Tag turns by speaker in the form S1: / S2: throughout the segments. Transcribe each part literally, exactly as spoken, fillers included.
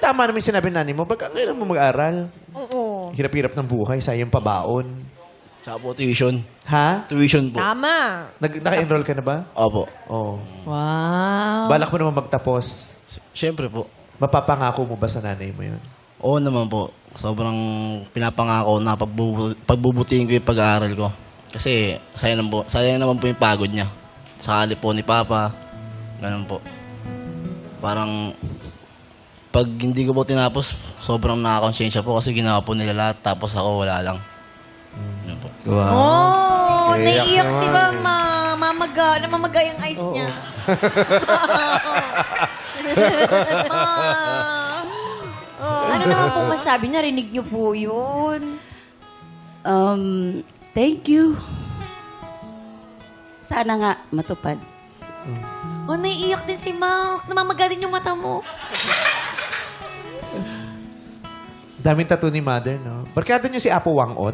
S1: tama naman yung sinabi ng nanay mo, ba't kailan mo mag-aral?
S2: Oo.
S1: Hirap-hirap ng buhay, sayang pabaon.
S3: Tsaka po tuition.
S1: Ha?
S3: Tuition po.
S2: Tama.
S1: Nag naka-enroll ka na ba?
S3: Opo.
S1: Oo.
S2: Wow.
S1: Balak mo naman magtapos.
S3: S- Siyempre po.
S1: Mapapangako mo ba sa nanay mo yun?
S3: Oo naman po. Sobrang pinapangako na pagbubu- pagbubutihin ko yung pag-aaral ko. Kasi sayang naman po, sayang naman po yung pagod niya. Sakali po ni Papa. Ganun po. Parang pag hindi ko po tinapos, sobrang nakakonsensya po kasi ginawa po nila lahat tapos ako wala lang. Yun po.
S1: Wow.
S2: Oh,
S1: Iyak
S2: naiiyak si
S1: naman
S2: Mama. Mamaga. Namamaga yung eyes niya. Ma. Ano naman pong masabi? Narinig niyo po yun.
S4: Um, thank you. Sana nga matupad.
S2: Oh, naiiyak din si Mac. Namamaga din yung mata mo.
S1: Daming tattoo ni mother, no? Barkada niyo si Apo Wangot.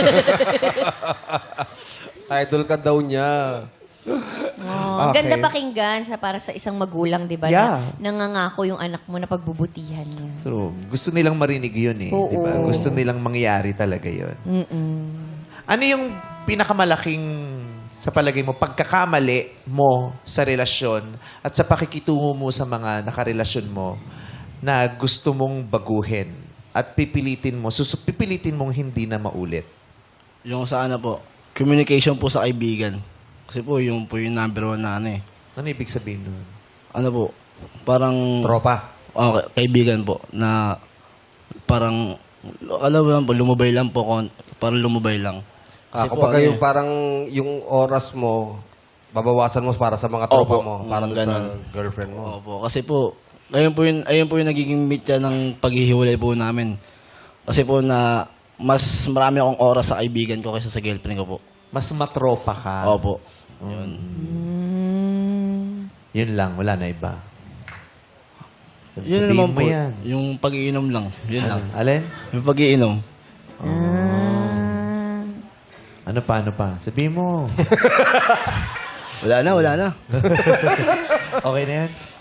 S5: Idol ka daw niya.
S2: Oh,
S1: Okay.
S2: Ganda pakinggan sa para sa isang magulang, di ba?
S1: Yeah.
S2: Na nangangako yung anak mo na pagbubutihan niya.
S1: True. Gusto nilang marinig yun eh.
S2: Oo.
S1: Di ba? Gusto nilang mangyari talaga yun.
S2: Mm-mm.
S1: Ano yung pinakamalaking, sa palagay mo, pagkakamali mo sa relasyon at sa pakikitungo mo sa mga nakarelasyon mo na gusto mong baguhin at pipilitin mo, susu pipilitin mong hindi na maulit?
S3: Yung sa ano po, communication po sa kaibigan. Kasi po, yung po yung number one na ano eh.
S1: Ano ibig sabihin nun?
S3: Ano po, parang...
S5: Tropa.
S3: Oh, ka- kaibigan po, na parang, alam mo lang po, lumubay lang po, kon- parang lumubay lang.
S5: Ah,
S3: po,
S5: kapag
S3: ano
S5: yung
S3: eh,
S5: parang yung oras mo, babawasan mo para sa mga tropa
S3: Opo,
S5: mo, para
S3: mm,
S5: doon sa
S3: ganun.
S5: girlfriend mo.
S3: Opo, kasi po, ayun po yung, ayun po yung nagiging mitya ng paghihiwalay po namin. Kasi po na, mas marami akong oras sa kaibigan ko kaysa sa girlfriend ko po.
S1: Mas matropa ka.
S3: Opo. Yun.
S1: Yun lang, wala na iba.
S3: Yun
S1: Sabihin
S3: naman
S1: mo
S3: po,
S1: yan.
S3: yung pag-iinom lang. Yun lang.
S1: Alin?
S3: Yung pag-iinom.
S1: Ano pa, ano pa? Sabihin mo.
S3: Wala na, wala na.
S1: Okay na yan?